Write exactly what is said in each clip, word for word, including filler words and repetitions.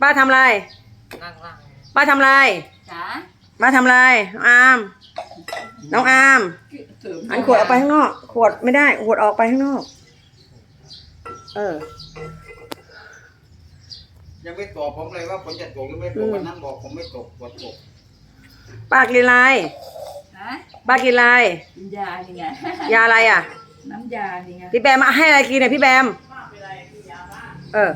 ป้าทำอะไรป้าทำอะไรจ๋าป้าทำอะไรอามน้องอามอันขวดออกไปข้างนอกขวดไม่ได้ขวดออกไปข้างนอกเออยังไม่ตอบผมเลยว่าผมจะตกหรือไม่ตกวันนั้นบอกผมไม่ตกกดตกป้ากินอะไรป้ากินอะไรกินยานี่ไงยาอะไรอ่ะน้ำยานี่ไงพี่แบมมาให้อะไรกินเนี่ยพี่แบมเออ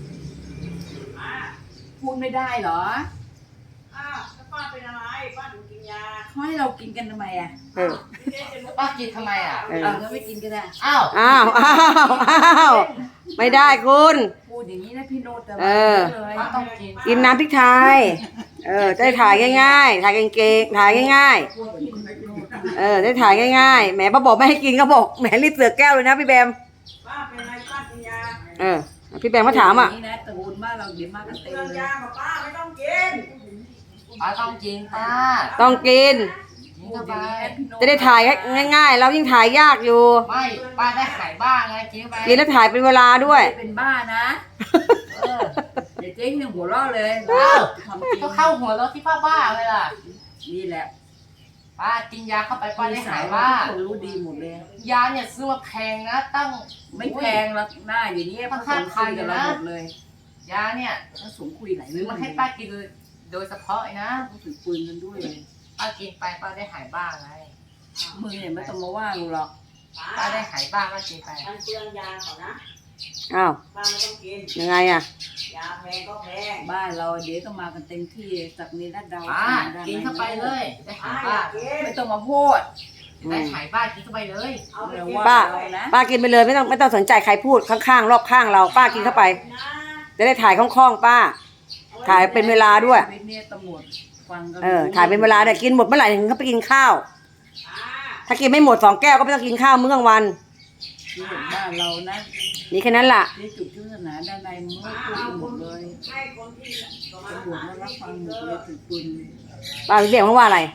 พูดไม่ได้เหรออ้าวป้าเป็นอะไรป้าถึงกินยาเขาให้เรากินกันทำไมอ่ะเออป้ากินทำไมอ่ะเออก็ไม่กินก็ได้อ้าวอ้าวอ้าวอ้าวไม่ได้คุณพูดอย่างนี้นะพี่โนดแต่เออป้าต้องกินกินน้ำพริกไทยเออได้ถ่ายง่ายๆถ่ายเก่งๆถ่ายง่ายๆเออได้ถ่ายง่ายๆแหมป้าบอกไม่ให้กินก็บอกแหมรีบเสือกแก้วเลยนะพี่แบมป้าเป็นอะไรป้ากินยาเออพี่แบมมาถามอ่ะนี่นะตระกูลบ้านเราเดี๋ยวมากันเต็มเลยยากับป้าไม่ต้องกินป้าต้องกินป้าต้องกินกินเข้าไปจะได้ถ่ายง่ายๆเรายิ่งถ่ายยากอยู่ไม่ป้าได้หายบ้าไงกินเข้าไปกินแล้วถ่ายเป็นเวลาด้วยเป็นบ้านะเออเดี๋ยวเจ๊ยังหัวเราะเลยก็เข้าหัวเราที่ป้าบ้าเลยล่ะนี่แหละป้ากินยาเข้าไปป้าได้หายบ้าคนรู้ดีหมดเลยยาเนี่ยซื้อมาแพงนะตั้งไม่แพงหรอกหน้าอย่างนี้มันห้าพันกับเราหมดเลยยาเนี่ยต้องสมคุยหลายซื้อมาให้ป้ากินโดยเฉพาะนะต้องถือปืนกันด้วยป้ากินไปป้าได้หายบ้าไงมึงเนี่ยไม่ต้องมาว่ากูหรอกป้าได้หายบ้าป้ากินไปมันเปลืองยาเขานะอ้าวป้าไม่ต้องกินยังไงอ่ะยาแพงก็แพงบ้านเราเดี๋ยวก็มากันเต็มที่จากนี้ด้านดาวป้ากินเข้าไปเลยได้หายบ้าไม่ต้องมาพูดได้หายบ้ากินเข้าไปเลยป้าป้ากินไปเลยไม่ต้องไม่ต้องสนใจใครพูดข้างๆรอบข้างเราป้ากินเข้าไปจะได้ถ่ายคล่องๆป้าถ่ายเป็นเวลาด้วยเออถ่ายเป็นเวลาเนี่ยกินหมดเมื่อไหร่ถึงเขาไปกินข้าวถ้ากินไม่หมดสองแก้วก็ไม่ต้องกินข้าวมื้อกลางวันที่เห็นบ้านเรานะนี่แค่นั้นล่ะนี่จุดที่ศาสนาด้านในมึงไม่พูดหมดเลยตำรวจมารับฟังหมดเลยถือปืนป้าเรียกเขาว่าอะไร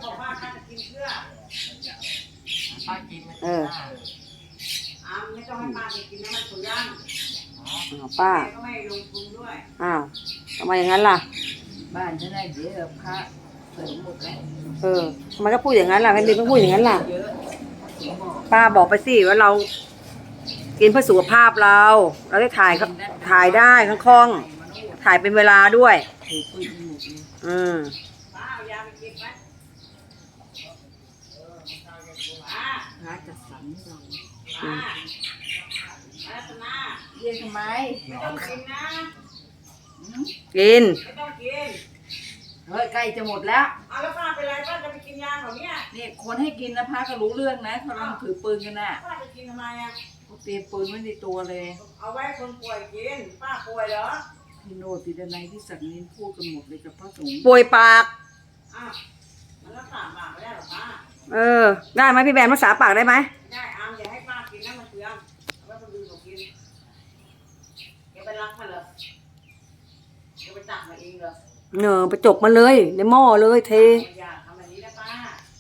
ป้ากินเอออ้าวไม่ต้องให้ป้าไปกินนะมันสุย่างป้าก็ไม่ลงทุนด้วยอ้าวทำไมอย่างนั้นล่ะบ้านฉันได้เดี๋ยวพระเสริมหมดแล้วเออทำไมก็พูดอย่างนั้นล่ะไม่ดีก็พูดอย่างนั้นล่ะป้าบอกไปสิว่าเรากินเพื่อสุขภาพเราเราได้ถ่ายครับถ่ายได้คล่องๆถ่ายเป็นเวลาด้วยอืมป้าเอายาไปกินไหมป้าพระจัดสรรให้เราป้ารัตนาเรียนทำไมไม่ต้องกินนะกินไม่ต้องกินเฮ้ยใกล้จะหมดแล้วอ้าวแล้วป้าเป็นไรป้าจะไปกินยาเขาเนี่ยนี่คนให้กินนะพระก็รู้เรื่องนะเขากำลังถือปืนกันน่ะป้าจะกินทำไมอ่ะเตรียมปืนไว้ในตัวเลยเอาไว้คนป่วยกินป้าป่วยเหรอพี่โนติดในที่สักนินพูดกันหมดเลยกับพระสงฆ์ป่วยปากอ้าวมันรักษาปากไม่ได้หรอป้าเออได้ไหมพี่แบนรักษาปากได้ไหมได้อามอย่าให้ป้ากินนะมันเปลืองเอาไว้คนอื่นเขากินแกไปรักมันเหรอแกไปตักมาเองเหรอเนอไปจกมาเลยในหม้อเลยเทอย่าทำแบบนี้นะป้า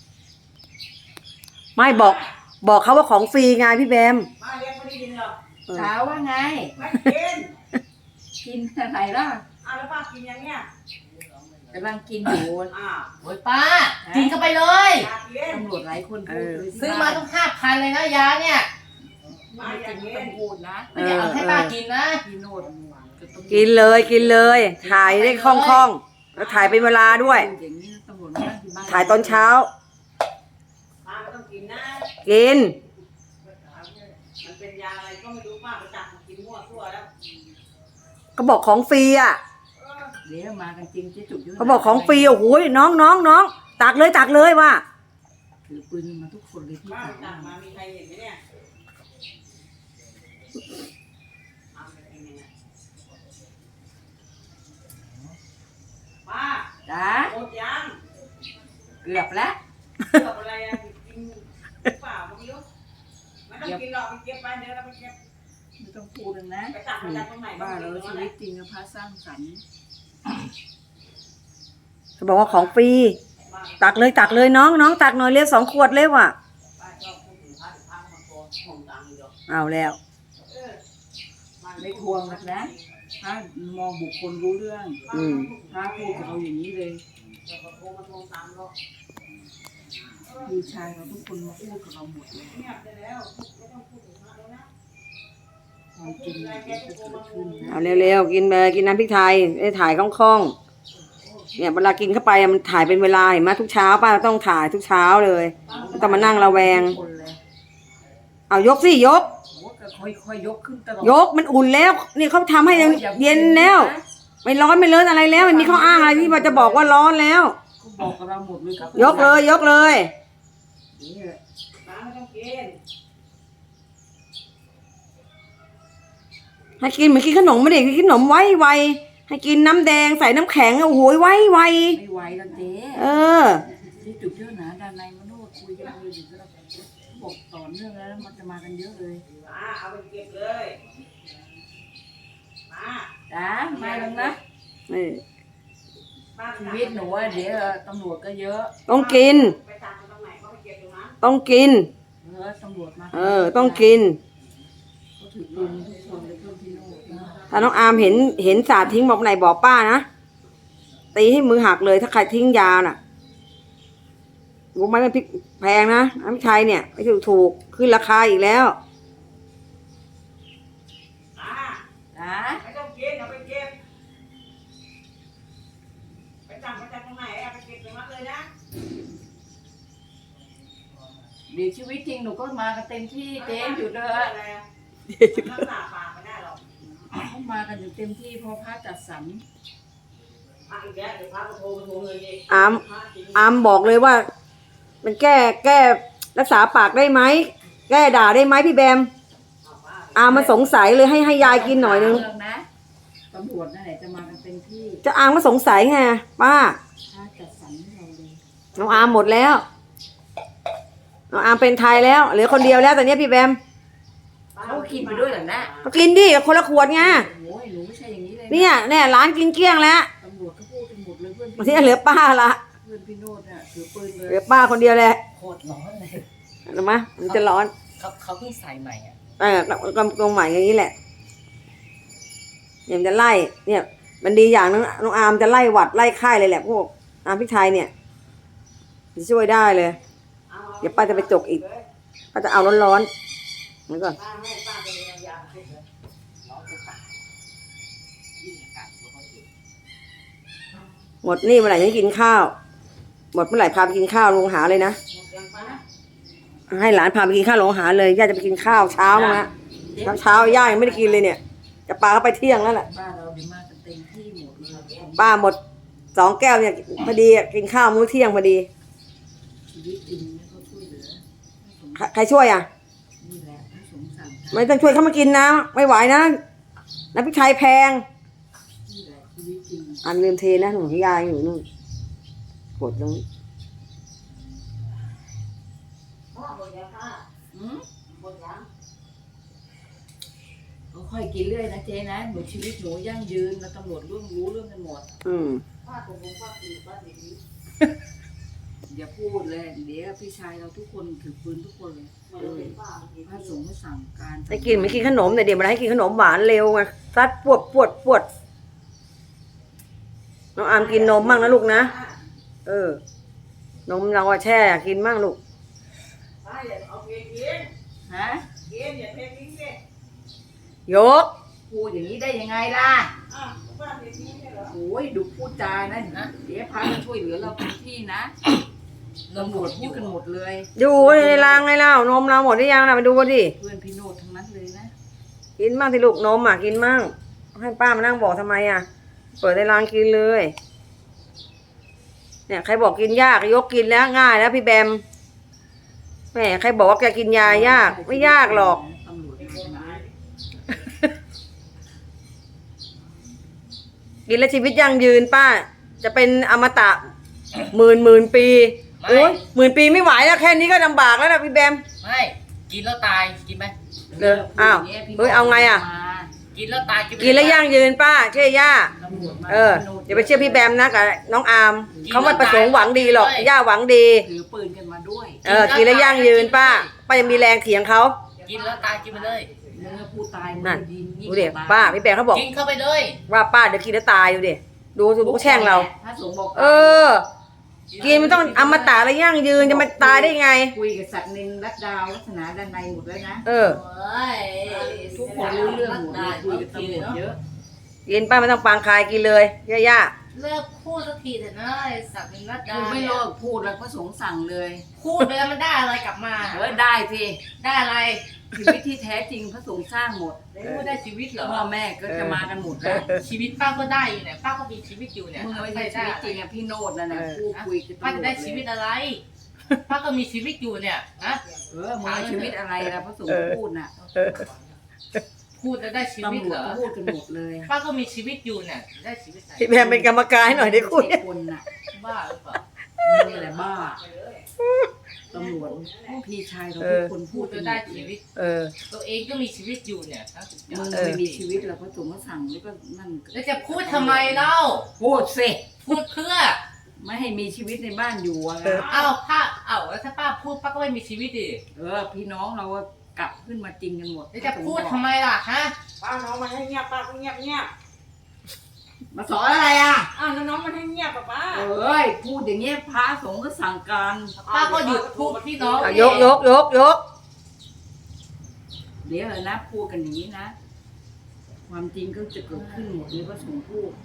ไม่บอกบอกเขาว่าของฟรีไงพี่แบมป้าเลี้ยงไม่ได้ยินหรอถามว่าไงไม่กินกินอะไรล่ะอ้าวแล้วป้ากินยังเนี้ยกำลังกินอยู่อ้าวโอ้ยป้ากินเข้าไปเลยตำรวจหลายคนพูดซื้อมาต้องห้าพันเลยนะยาเนี่ยป้าจะไม่ต้องพูดนะไม่อยากเอาให้ป้ากินนะพี่โนดกินเลยกินเลยถ่ายได้คล่องๆแล้วถ่ายเป็นเวลาด้วยถ่ายตอนเช้าป้าไม่ต้องกินนะกินมันเป็นยาอะไรก็ไม่รู้ป้าไปจับกินมั่วทั่วแล้วก็บอกของฟรีอ่ะเดี๋ยวมากันจริงจะจุดเขาบอกของฟรีโอ้โหน้องน้องน้องตักเลยตักเลยว่ะถือปืนมาทุกคนเลยที่ป้าตักมามีใครเห็นไหมเนี่ยป้าจ้าหมดยังเกือบแล้วเกือบอะไรอ่ะกินเปล่าไม่รู้ไม่ต้องกินหรอกไปเก็บไปเดี๋ยวเราไปเก็บไม่ต้องพูดเลยนะไปตักมาจากตรงไหนบ้านเราชีวิตจริงกับพระสร้างสรรค์เขาบอกว่าของฟรีตักเลยตักเลยน้องน้องตักหน่อยเรียกสองขวดเลยว่ะเอาแล้วไม่ทวงกันนะพระมองบุคคลรู้เรื่องอืมพระพูดกับเราอย่างนี้เลยพี่ชายเราทุกคนมาพูดกับเราหมดเลยความจริงมันจะเกิดขึ้นนะเอาเร็วๆกินไปกินน้ำพริกไทยได้ถ่ายคล่องๆเนี่ยเวลากินเข้าไปอะมันถ่ายเป็นเวลาเห็นไหมทุกเช้าป้าต้องถ่ายทุกเช้าเลยไม่ต้องมานั่งระแวงคนเลยเอายกสิยกโอ้ก็ค่อยๆยกขึ้นตลอดยกมันอุ่นแล้ว นี่เขาทำให้เย็นแล้ว ไม่ร้อนไม่เลินอะไรแล้วไม่มีข้ออ้างอะไรที่ว่าจะบอกว่าร้อนแล้วเขาบอกกับเราหมดเลยครับยกเลยยกเลยนี่แหละน้ำไม่ต้องกินให้กินเหมือนกินขนมไม่ได้กินขนมไว้ไวให้กินน้ำแดงใส่น้ำแข็งโอ้โหไว้ไวไม่ไหวแล้วเจ๊เออที่จุดเยอะนะด้านในมโนคุยกันเลยอยู่ก็บอกต่อเนื่องแล้วมันจะมากันเยอะเลยมาเอาไปเก็บเลยมาจ้ามาแล้วนะนี่บ้านชีวิตหนูอะเดี๋ยวตำรวจก็เยอะต้องกินไปจับมันตรงไหนเขาไปเก็บตรงนั้นต้องกินเออตำรวจมาเออ ต้องกินเขาถือปืนทุกคนเลยเพื่อนพี่โน่นะถ้าน้องอาร์มเห็นเห็นสาดทิ้งบอกไหนบอกป้านะตีให้มือหักเลยถ้าใครทิ้งยาน่ะรู้ไหมมันพริกแพงนะน้ำพริกไทยเนี่ยไม่ถูกถูกขึ้นราคาอีกแล้วมาจ้าไม่ต้องกินเอาไปเก็บไปจับมาจากตรงไหนเอาไปเก็บตรงนั้นเลยนะเดี๋ยวชีวิตจริงหนูก็มากันเต็มที่เจ๊อยู่เด้ออะไรอะรักษาปากไม่ได้หรอกเขามากันอยู่เต็มที่เพอพระจัดสรรพระอีกแล้วเดี๋ยวพระมาโทรมาโทรเลยดิอามพระจริงอามบอกเลยว่า มันแก้แก้รักษาปากได้ไหมแก้ด่าได้ไหมพี่แบมเอาป้าอามมาสงสัยเลยให้ให้ยายกินหน่อยนึงเรื่องนะตำรวจนั่นแหละจะมากันเต็มที่จะอามมาสงสัยไงป้าพระจัดสรรให้เราเลยน้องอามหมดแล้วน้องอามเป็นไทยแล้วเหลือคนเดียวแล้วตอนนี้พี่แบมเขากินไปด้วยเหรอนะก็กินดิคนละขวดไงโอ้ยหนูไม่ใช่อย่างนี้เลยะเนี่ยเนี่ยร้านกินเกลี้ยงแล้วตำรวจก็พูดกันหมดเลยเพื่อนบางทีเหลือป้าละเพื่อนพี่โนดเนี่ยถือปืนเลเหลือย ป้าคนเดียวแหละโคตรร้อนเลยเห็นไหมมันจะร้อนเขาเขาเพิ่งใส่ใหม่อ่ะเออกำกงใหม่อย่างนี้แหละเนี่ยมันจะไล่ เนี่ย มันดีอย่างนึงน้องอาร์มจะไล่หวัดไล่ไข้เลยแหละพวกอาร์มพริกไทยเนี่ยจะช่วยได้เลยเอาเอาเดี๋ยวป้าจะไปจกอีกป้าจะเอาร้อนๆนี่ก่อนป้าให้ป้าไปเรียนยาไปเลยร้อนจะตายยิ่งอากาศร้อนอยู่หมดนี่เมื่อไหร่จะกินข้าว หมดเมื่อไหร่พาไปกินข้าวลงหาเลยนะหมดยังป้าให้หลานพาไปกินข้าวลงหาเลยย่าจะไปกินข้าวเช้ามั้งนะเช้าเช้าย่ายังไม่ได้กินเลยเนี่ย จะปาเข้าไปเที่ยงแล้วแหละบ้านเราดีมากกันเต็มที่หมดเลยป้าหมดสองแก้วเนี่ยพอดีอะกินข้าวมื้อเที่ยงพอดีชีวิตจริงเนี่ยเขาช่วยเหลือให้สมใครใครช่วยอ่ะนี่แหละให้สมสั่งไม่ต้องช่วยเขามากินนะ ไม่ไหวนะน้ำพริกไทยแพงนี่แหละชีวิตจริงอันลืมเทนะหนูพี่ยายอยู่นู่นกดตรงนี้พ่อหมดยังป้าอืมหมดยังก็ค่อยกินเรื่อยนะเจ๊นะหนูชีวิตหนูยั่งยืนแล้วตำรวจเรื่องรู้เรื่องกันหมดอืมป้าตกลงป้าคือป้าดีนี้อย่าพูดเลยเดี๋ยวพี่ชายเราทุกคนถือปืนทุกคนเลยไม่ได้เป็นป้าเมื่อกี้พระสงฆ์ก็สั่งการให้กินไม่กินขนมแต่เดี๋ยวมาให้กินขนมหวานเร็วไงซัดปวดปวดปวดน้องอามกินนมมั่งนะลูกนะเออนมเราอะแช่กินมั่งลูกป้าอย่าเอาเพียงกินฮะกินอย่าเททิ้งสิยกพูดอย่างนี้ได้ยังไงล่ะอ่ะป้าเททิ้งใช่เหรอโอ้ยดูพูดจานะนะเดี๋ยวพระจะช่วยเหลือเราเต็มที่นะตำรวจพูดกันหมดเลยดูในรางในเล่านมเราหมดหรือยังนะไปดูดิเพื่อนพี่โนดทั้งนั้นเลยนะกินมั่งที่ลูกนมอ่ะกินมั่งให้ป้ามานั่งบอกทำไมอ่ะเปิดในรางกินเลย เนี่ยใครบอกกินยากยกกินแล้วง่ายแล้วพี่แบมแหมใครบอกว่าแกกินยายากไม่ยากหรอกตำรวจมาทำไมกินแล้วชีวิตยั่งยืนป้า จะเป็นอมตะหมื่นหมื่นปีโอ้ยหมื่นปีไม่ไหวแล้วแค่นี้ก็ลำบากแล้วนะพี่แบมไม่กินแล้วตายกินไหมเด้ออ้าวเฮ้ยเอาไงอ่ะกินแล้วตายกินไม่กินแล้วยั่งยืนป้าเชื่อย่าตำรวจมาเอออย่าไปเชื่อพี่แบมนะกับน้องอาร์มเขาไม่ประสงค์หวังดีหรอกย่าหวังดีถือปืนกันมาด้วยเออกินแล้วยั่งยืนป้าป้ายังมีแรงเถียงเขากินแล้วตายกินไปเลยมมึงก็พูดตายมึงนั่นก็ยิงยิ่งดูดิกว่ตยป้าพี่แปงเขาบอกกินเข้าไปเลยว่าป้าเดี๋ยวกินแล้วตายดูดิดูดูเขาแช่งเราพระสงฆ์บอกเออ กินมันต้องอมตะอะไรยั่งยืนจะมาตายได้ไงคุยกับศักดิ์นินรัตดาววัฒนาด้านในหมดแล้วนะเออเฮ้ยทุกคนรู้เรื่องหมดเลยคุยกับตำรวจเยอะกินป้าไม่ต้องปางคายกินเลยย่าเลิกพูดสักทีเถอะนะไอ้สักดินรัตดาคือไม่เลิกพูดแล้วพระสงฆ์สั่งเลยพูดไปแล้วมันได้อะไรกลับมาเออได้สิได้อะไรชีวิตที่แท้จริงพระสงฆ์สร้างหมดพูดได้ชีวิตเหรอพ่อแม่ก็จะมากันหมดแล้วชีวิตป้าก็ได้อยู่เนี่ยป้าก็มีชีวิตอยู่เนี่ยมึงไม่ใช่ชีวิตจริงอะพี่โนดนั่นนะพูดคุยกับตำรวจป้าจะได้ชีวิตอะไร ป้าก็มีชีวิตอยู่เนี่ยนะเออมึงเอาชีวิตอะไรล่ะพระสงฆ์พูดน่ะพูดจะได้ชีวิตตำรวเหจรอก็พูดกันหมดเลยป้าก็มีชีวิตอยู่เนี่ยได้ชีวิตไหนๆพี่แพมเป็นกรรมการให้หน่อยได้คุยคนน่ะบ้าหรือเปล่านี่แหละบ้าตำรวจพี่ชายเราเอทุอกคนพูพูดดกัจะนหมได้ดเลชียวิตเออตัวเองก็มีชีวิตอยู่เนี่ยนะมึงไม่มีชีวิตแล้วพระสงฆ์ก็สั่งแล้วก็นั่นแล้วจะพูดทำไมเล่าพูดสิพูดเพื่อไม่ให้มีชีวิตในบ้านอยู่อะเออเอ้าป้าเอ้าแล้วถ้าป้าพูดป้าก็ไม่มีชีวิตดิเออ พี่น้องเราก็กลับขึ้นมาจริงกันหมดแล้วจะพูดทำไมล่ะฮะป้าน้องมันให้เงียบป้าก็เงียบเงียบมาสอนอะไรอ่ะอ้าวแล้วน้องมันให้เงียบป่ะป้าเอ้ยพูดอย่างเงี้ยพระสงฆ์ก็สั่งการป้าก็หยุดพูดพี่น้องเอายกยกยกยกเดี๋ยวนะพูดกันอย่างนี้นะ ความจริงก็จะเกิดขึ้นหมดเลยพระสงฆ์พูด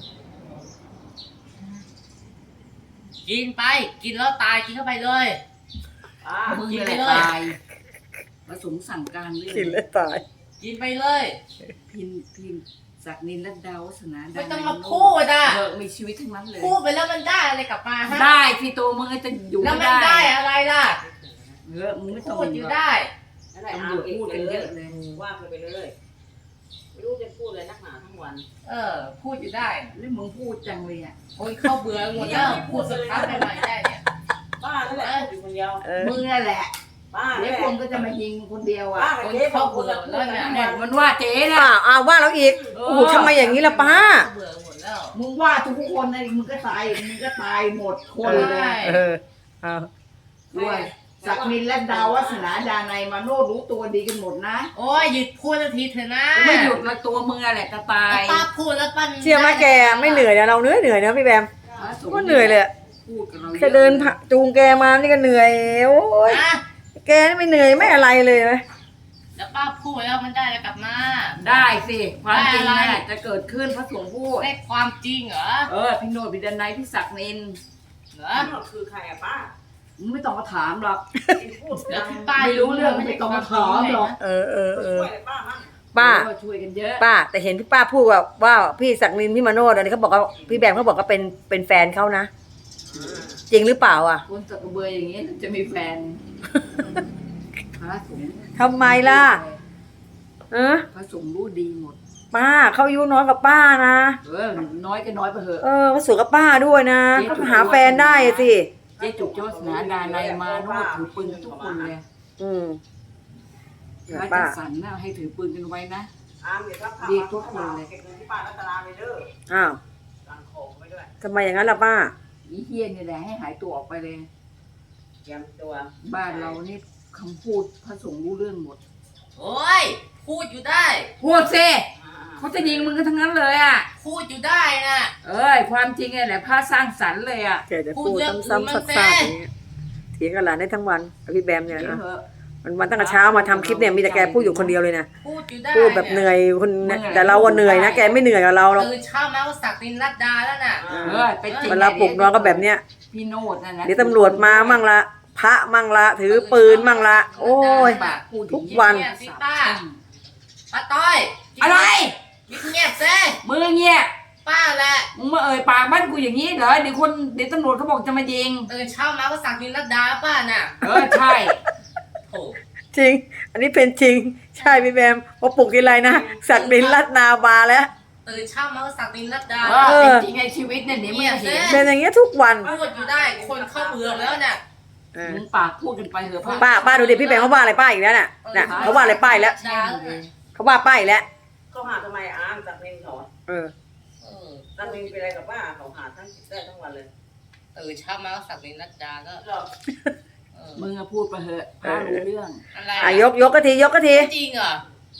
กินไปกินแล้วตายกินเข้าไปเลยป้ามึงกินนี่ไปแหละเลยตายพระสงฆ์สั่งการเรื่องกินแล้วตายกินไปเลยพินพินศักดิ์นินรัตดาวัฒนาไม่ต้องมาพูดอ่ะเออมีชีวิตทั้งนั้นเลยพูดไปแล้วมันได้อะไรกลับมาฮะได้ที่ตัวมึงจะอยู่แล้วไม่มันได้ได้อะไรล่ะเออมึงไม่ต้องพูดอยู่ได้อะไรตำอ้ารววจพูดกันเยอะเลยว่าไปเลยไม่รู้จะพูดอะไรนักหนาทั้งวันเออ พูดอยู่ได้แล้วมึงพูดจังเลยอ่ะโอ้ยเข้าเบื่อหมดแล้วพูดสักครั้งใหม่ๆได้เนี่ยป้านั่นแหละพูดอยู่คนเดียวเออมึงนั่นแหละป้าเดี๋ยวคนก็จะมายิงคนเดียวอ่ะป้ากับเจ๊สองคนพูดกันทั้งเนี่วัยนมันว่าเจ๊นะป้าอ้าวว่าเราอีกโอ้โหทำไมอย่างนี้ล่ะป้าเบื่อหมดแล้วมึงว่าทุกคนนะมึงก็ตายมึงก็ตายหมดคนเลยใช่เออเอาด้วยศักดิ์นินและดาววัฒนาดานัยมาโนรู้ตัวดีกันหมดนะโอ้ยหยุดพูดสักทีเถอะนะไม่หยุดละตัวมึงอะไรจะตายป้าพูดแล้วปั้นเชื่อไหมแกไม่เหนื่อยนะเราเหนื่อยเหนื่อยนะพี่แบมก็เหนื่อยเลยอะพูดกับเราแค่เดินผ่าจูงแกมานี่ก็เหนื่อยโอ้ยนะแกนี่ไม่เหนื่อยไม่อะไรเลยไหมแล้วป้าพูดแล้วมันได้อะไรกลับมาได้สิความจริงได้อะไรน่ะจะเกิดขึ้นพระสงฆ์พูดได้ความจริงเหรอเออพี่โนดพี่ดนัยพี่ศักดิ์นินเหรอนั่นคือใครอะป้ามึงไม่ต้องมาถามหรอกพูดแล้วดังที่ป้าไม่รู้เรื่องไม่ต้องมาถามหรอกเออเออเอช่อวยอะไรป้ามั่งป้าเออช่วยกันเยอะป้า แต่เห็นพี่ป้าพูดว่าว่าพี่ศักดินพี่มาโนดอันนี้เขาบอกว่าพี่แบมเขาบอกว่าเป็นเป็นแฟนเขานะ จริงหรือเปล่าอ่ะคนตะกระเบืออย่างนี้จะมีแฟนพระสงฆ์ทำไมล่ะเออพระสงฆ์รู้ดีหมดป้าเขาอายุน้อยกว่าป้านะเออน้อยก็น้อยไปเถอะเออเขาสวยกับป้าด้วยนะเขาหาแฟนได้สิเจ๊จุกโจสนาดานัยมาโนดถือปืนกันทุกคนเลยอืมพระป้าจัดสรรน่ะให้ถือปืนกันไว้นะอามเดี๋ยวรับข่าวเรียกทุกคนเลยเก็บเงินที่ป้ารัตนาไปเด้ออ้าวสั่งของไปด้วยทำไมอย่างนั้นล่ะป้าอีเฮียนี่แหละให้หายตัวออกไปเลยเตรียมตัวบ้านเรานี่คำพูดพระสงฆ์รู้เรื่องหมดโอ้ยพูดอยู่ได้พูดสิอ่าเขาจะยิงมึงกันทั้งนั้นเลยอ่ะพูดอยู่ได้นะเอ้ยความจริงไงแหละพระสร้างสรรค์เลยอ่ะแกจะพูดซ้ำๆซักๆอย่างเงี้ยเถียงกับหลานได้ทั้งวันกับพี่แบมเนี่ยเดี๋ยวนะเถอะมันวันตั้งแต่เช้ามาทำคลิปเนี่ยมีแต่แกพูดอยู่คนเดียวเลยนะพูดอยู่ได้พูดแบบเหนื่อยคนเนี่ยแต่เราอะเหนื่อยนะแกไม่เหนื่อยกับเราหรอกตื่นเช้ามาก็สักดินรัดดาแล้วน่ะเออไปจริงเวลาปลุกนอนก็แบบเนี้ยพี่โนดนั่นนะเดี๋ยวตำรวจมามั่งละพระมั่งละถือปืนมั่งละโอ้ยปากพูดทุกวันเงียบสิป้าป้าต้อยอะไรเงียบซิมึงเงียบป้าแหละมึงมาเอ่ยปากบ้านกูอย่างนี้เหรอเดี๋ยวคนเดี๋ยวตำรวจเขาบอกจะมายิงตื่นเช้ามาก็สักดินรัดดาป้าน่ะเออใช่โอ้จริง อันนี้เป็นจริง ใช่พี่แบมพอปลุกทีไรนะสักดินลัดนาบาแล้วตื่นเช้ามาก็สักดินรัดดาเออเป็นจริงไงชีวิตเนี่ยเดี๋ยวมึงจะเห็นเป็นอย่างเงี้ยทุกวันพูดอยู่ได้คนเข้าเบื่อแล้วน่ะเออมึงปากพูดกันไปเถอะป้าป้าดูดิพี่แบมเขาว่าอะไรป้าอีกแล้วน่ะน่ะเขาว่าอะไรป้าอีกแล้วดาเขาว่าป้าอีกแล้วเขาหาทำไมอามจากเมนเขาเออเออจากเมนเป็นอะไรกับป้าเขาหาทั้งได้ทั้งวันเลยตื่นเช้ามาก็สักดินรัดดาก็หรอเออมึงอะพูดไปเถอะพระรู้เรื่องอะไรอ่ะยกยกกะทียกกะทีจริงเหรอ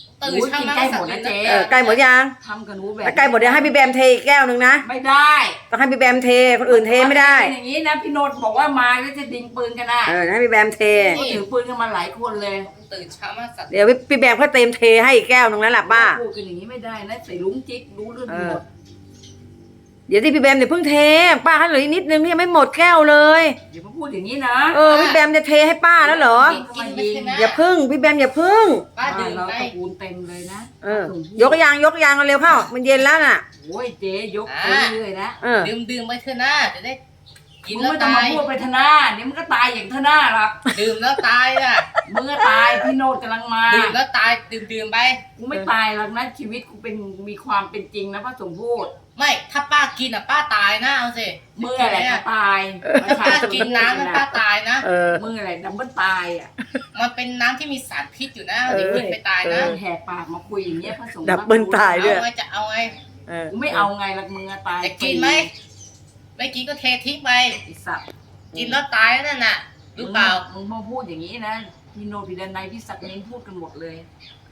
ตื่นเช้ามาใกล้หมดนะเจ๊เออใกล้หมดยังทำกับหนูแบบแล้วใกล้หมดเดี๋ยวให้พี่แบมเทอีกแก้วหนึ่งนะไม่ได้ต้องให้พี่แบมเทคนอื่นเทไม่ได้อย่างนี้นะพี่โนดบอกว่ามาแล้วจะดิงปืนกันนะเออให้พี่แบมเทก็ถือปืนกันมาหลายคนเลยตื่นเช้ามาสัตว์เดี๋ยวพี่แบมเขาเต็มเทให้อีกแก้วหนึ่งแล้วล่ะป้าพูดกันอย่างนี้ไม่ได้นะใส่ลุงจิ๊กรู้เรื่องหมดเดี๋ยวที่พี่แบมเดี๋ยวเพิ่งเทป้าให้เหลืออีกนิดนึงนี่ยังไม่หมดแก้วเลยอย่ามาพูดอย่างนี้นะเออพี่แบมจะเทให้ป้าแล้วเหรอกินไปเถอะนะอย่าพึ่งพี่แบมอย่าพึ่งป้าดื่มเราไปตระกูลเต็มเลยนะเออยกยางยกยางเร็วเข้ามันเย็นแล้วน่ะโอ้ยเจ๊ยกไปเรื่อยๆนะเออดื่มดื่มไปเถอะนะจะได้กินมึงแล้วไม่ต้องตามาย พูดไปทนาเดี๋ยวมึงก็ตายอย่างทนาหรอกดื่มแล้วตายอ่ะมึงก็ตายพี่โนดกำลังมาดื่มแล้วตายดื่มดื่มไปกูไม่ตายหรอกนะชีวิตกูเป็นมีความเป็นจริงนะพระสงฆ์พูดไม่ถ้าป้ากินอ่ะป้าตายนะเอาสิมึงอะไรก็ตายป้ากินน้ำแล้วป้าตายนะเออมึงอะไรดับเบิลตายอ่ะมันเป็นน้ำที่มีสารพิษอยู่นะเดี๋ยวกินไปตายนะแหกปากมาคุยอย่างเงี้ยพระสงฆ์ดับเบิลตายด้วยเอาไงจะเอาไงเออกูไม่เอาไงหรอกมึงอะตายจะกินไหมไม่กินก็เททิ้งไปไอ้สัตว์กินแล้วตายนั่นน่ะรู้เปล่ามึงมาพูดอย่างนี้นะพี่โนดพี่ดนัยพี่ศักดิ์นินพูดกันหมดเลย